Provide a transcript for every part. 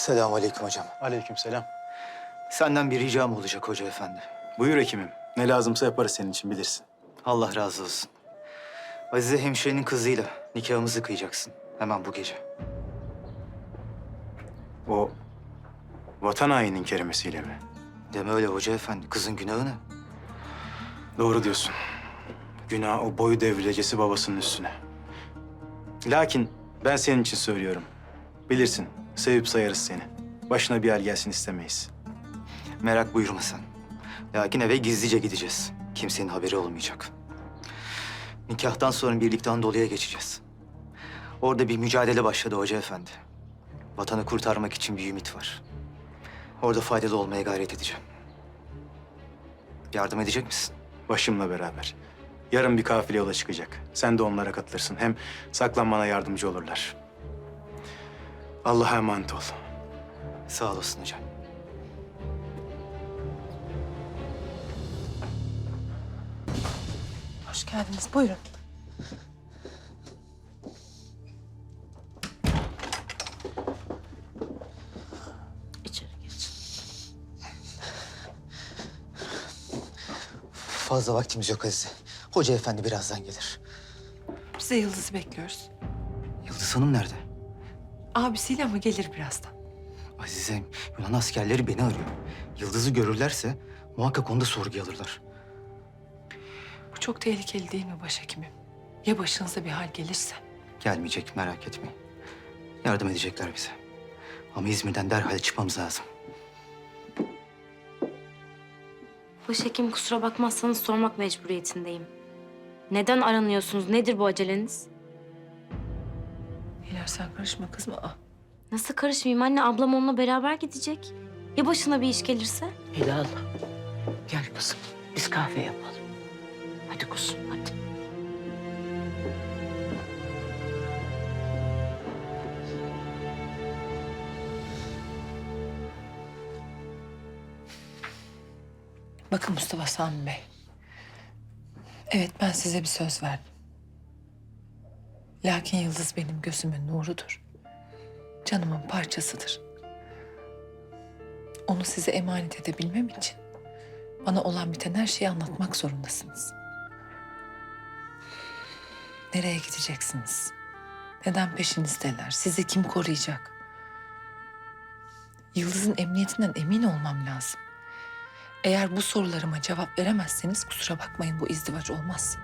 Selamünaleyküm hocam. Aleykümselam. Senden bir ricam olacak hoca efendi. Buyur hekimim. Ne lazımsa yaparız senin için, bilirsin. Allah razı olsun. Azize hemşirenin kızıyla nikahımızı kıyacaksın. Hemen bu gece. O vatan hainin kerimesiyle mi? Deme öyle hoca efendi. Kızın günahı ne? Doğru diyorsun. Günah o boyu devrilecesi babasının üstüne. Lakin ben senin için söylüyorum. Bilirsin, sevip sayarız seni. Başına bir hal gelsin istemeyiz. Merak buyurma sen. Lakin eve gizlice gideceğiz. Kimsenin haberi olmayacak. Nikahtan sonra birlikte Anadolu'ya geçeceğiz. Orada bir mücadele başladı hoca efendi. Vatanı kurtarmak için bir ümit var. Orada faydalı olmaya gayret edeceğim. Yardım edecek misin? Başımla beraber. Yarın bir kafile yola çıkacak. Sen de onlara katılırsın. Hem saklanmana yardımcı olurlar. Allah'a emanet ol. Sağ olasın hocam. Hoş geldiniz. Buyurun. İçeri geçin. Fazla vaktimiz yok Azize. Hoca efendi birazdan gelir. Biz de Yıldız'ı bekliyoruz. Yıldız Hanım nerede? Abisiyle ama gelir birazdan. Azizem, Yunan askerleri beni arıyor. Yıldız'ı görürlerse muhakkak onu da sorguya alırlar. Bu çok tehlikeli değil mi başhekimim? Ya başınıza bir hal gelirse? Gelmeyecek, merak etmeyin. Yardım edecekler bize. Ama İzmir'den derhal çıkmamız lazım. Başhekim kusura bakmazsanız sormak mecburiyetindeyim. Neden aranıyorsunuz? Nedir bu aceleniz? Hilal sen karışma kızma. Nasıl karışmayayım anne? Ablam onunla beraber gidecek. Ya başına bir iş gelirse? Hilal, gel kızım. Biz kahve yapalım. Hadi kuzum, hadi. Bakın Mustafa Sami Bey. Evet ben size bir söz verdim. Lakin Yıldız benim gözümün nurudur. Canımın parçasıdır. Onu size emanet edebilmem için bana olan biten her şeyi anlatmak zorundasınız. Nereye gideceksiniz? Neden peşinizdeler? Sizi kim koruyacak? Yıldız'ın emniyetinden emin olmam lazım. Eğer bu sorularıma cevap veremezseniz kusura bakmayın bu izdivaç olmaz.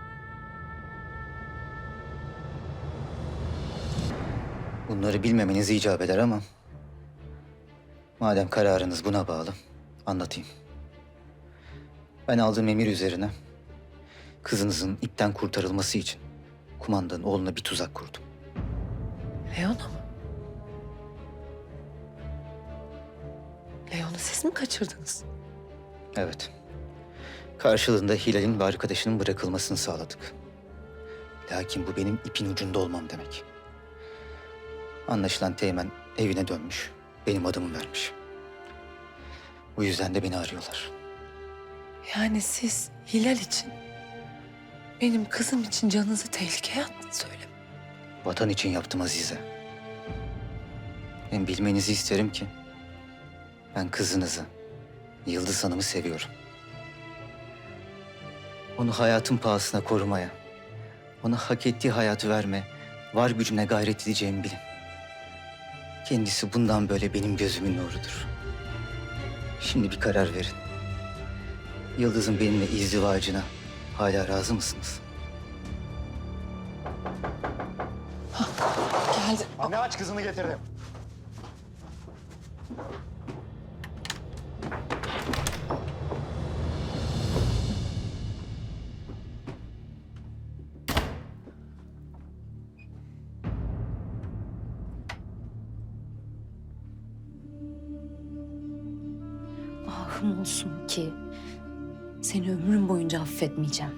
Bunları bilmemeniz icap eder ama... madem kararınız buna bağlı, anlatayım. Ben aldığım emir üzerine kızınızın ipten kurtarılması için kumandanın oğluna bir tuzak kurdum. Leon'a mı? Leon'u siz mi kaçırdınız? Evet. Karşılığında Hilal'in ve arkadaşının bırakılmasını sağladık. Lakin bu benim ipin ucunda olmam demek. Anlaşılan Teğmen evine dönmüş, benim adımı vermiş. Bu yüzden de beni arıyorlar. Yani siz Hilal için, benim kızım için canınızı tehlikeye attınız öyle mi? Vatan için yaptım Azize. Hem bilmenizi isterim ki... ben kızınızı, Yıldız Hanım'ı seviyorum. Onu hayatın pahasına korumaya, ona hak ettiği hayatı verme, var gücümle gayret edeceğimi bilin. Kendisi bundan böyle benim gözümün nurudur. Şimdi bir karar verin. Yıldız'ın benimle izdivacına hala razı mısınız? Geldi. Anne aç, kızını getirdim. Ahım olsun ki seni ömrüm boyunca affetmeyeceğim.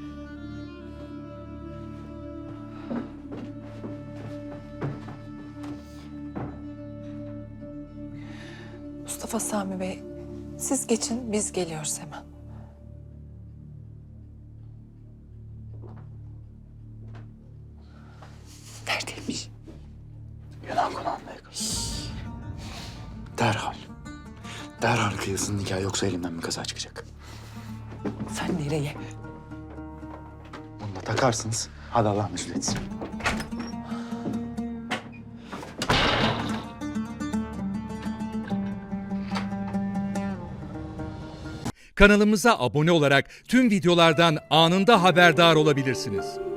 Mustafa Sami Bey, siz geçin biz geliyoruz hemen. Neredeymiş? Yunan konağındayız. Derhal. Derhal kıyılsın nikah, yoksa elimden bir kaza çıkacak. Sen nereye? Bunu da takarsınız. Hadi Allah mesut etsin. Kanalımıza abone olarak tüm videolardan anında haberdar olabilirsiniz.